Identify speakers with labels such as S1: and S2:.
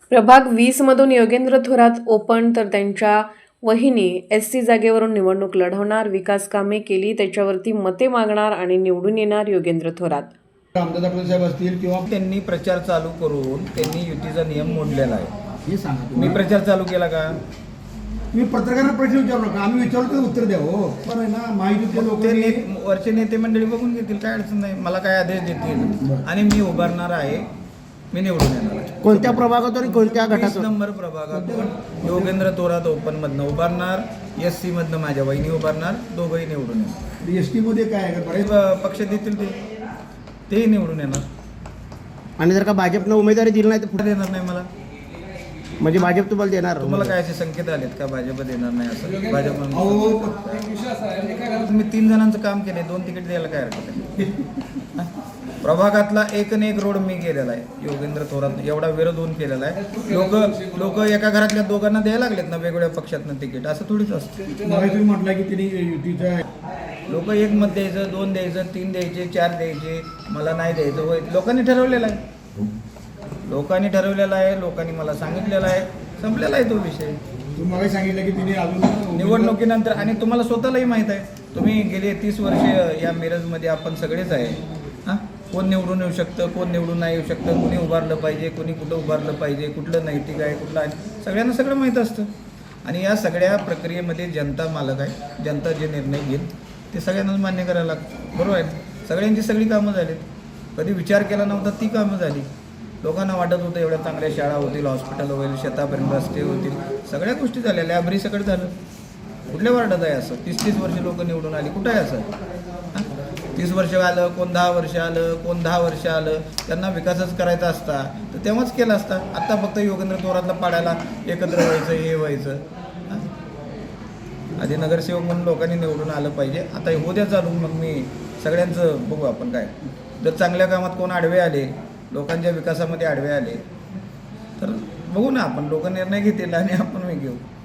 S1: प्रभाग 20 मधून योगेंद्र थोरात ओपन तर त्यांच्या वहिनी एससी जागेवरून निवडणूक लढवणार. विकास कामे केली त्याच्यावरती मते मागणार आणि निवडून येणार योगेंद्र थोरात.
S2: रामदास आठवले साहेब असतील किंवा
S3: त्यांनी प्रचार चालू करून त्यांनी युतीचा नियम मोडलेला आहे.
S2: हे सांगा
S3: मी प्रचार चालू केला का?
S2: तुम्ही पत्रकारांना प्रश्न विचारू नका, आम्ही विचारलो तर उत्तर द्या. हो बरं आहे ना, माहितीचे लोक
S3: ते वरचे नेते मंडळी बघून घेतील, काय अडचण नाही. मला काय आदेश देतील आणि मी उभारणार आहे, मी निवडून येणार आहे.
S4: कोणत्या प्रभागातून कोणत्या
S3: 20
S4: गटातून?
S3: नंबर प्रभागातून योगेंद्र थोरात ओपन मधनं उभारणार, एससी मधनं माझ्या वहिनी उभारणार, दोघंही निवडून येणार.
S2: एसटी मध्ये काय आहे का? बरेच
S3: पक्ष देतील तेही निवडून येणार.
S4: आणि जर का भाजपनं उमेदवारी दिली नाही तर
S3: पुढे देणार नाही मला.
S4: म्हणजे भाजप तुम्हाला देणार?
S3: तुम्हाला काय असे संकेत आलेत का भाजप देणार नाही असं? भाजप
S2: अहो
S3: तुम्ही 3 जणांचं काम केले, 2 तिकीट द्यायला काय हरकत आहे? प्रभागातला एक रोड मी केलेला आहे. योगेंद्र थोरात एवढा विरोध होऊन केलेला आहे. लोक एका घरातल्या दोघांना द्यायला लागलेत ना वेगवेगळ्या पक्षातनं तिकीट. असं थोडीच असतं.
S2: मला तुम्ही म्हटलं की त्यांनी युतीचा
S3: लोक 1 मत द्यायचं, 2 द्यायचं, 3 द्यायचे, 4 द्यायचे, मला नाही द्यायचं. होय, लोकांनी ठरवलेलं आहे. लोकांनी मला सांगितलेलं आहे. संपलेला आहे तो विषय.
S2: तुम्ही मला सांगितलं की तिने अजून
S3: निवडणुकीनंतर. आणि तुम्हाला स्वतःलाही माहीत आहे, तुम्ही गेले 30 वर्षे या मिरजमध्ये आपण सगळेच आहे. हां, कोण निवडून येऊ शकतं, कोण निवडून नाही येऊ शकतं, कोणी उभारलं पाहिजे, कोणी कुठं उभारलं पाहिजे, कुठलं नैतिक आहे, कुठलं आहे, सगळ्यांना सगळं माहीत असतं. आणि या सगळ्या प्रक्रियेमध्ये जनता मालक आहे. जनता जे निर्णय घेईल ते सगळ्यांनाच मान्य करायला लागतं. बरोबर आहे. सगळ्यांची सगळी कामं झालीत. कधी विचार केला नव्हता ती कामं झाली. लोकांना वाटत होतं एवढ्या चांगल्या शाळा होतील, हॉस्पिटल होईल, शेतापर्यंत रस्ते होतील, सगळ्या गोष्टी झाल्या. लॅबरी सगळं झालं. कुठल्या वार्डात आहे असं? 30-30 वर्ष लोक निवडून आली. कुठं आहे असं? 30 वर्ष आलं, कोण 10 वर्ष आलं, कोण 10 वर्ष आलं. त्यांना विकासच करायचा असता तर तेव्हाच केला असता. आत्ता फक्त योगेंद्र थोरातला पाडायला एकत्र व्हायचं, हे व्हायचं. आधी नगरसेवक म्हणून लोकांनी निवडून आलं पाहिजे. आता उद्या चालून मग मी सगळ्यांचं बघू आपण काय. जर चांगल्या कामात कोण आडवे आले, लोकांच्या विकासामध्ये आडवे आले तर बघू ना आपण. लोक निर्णय घेतील आणि आपण घेऊ.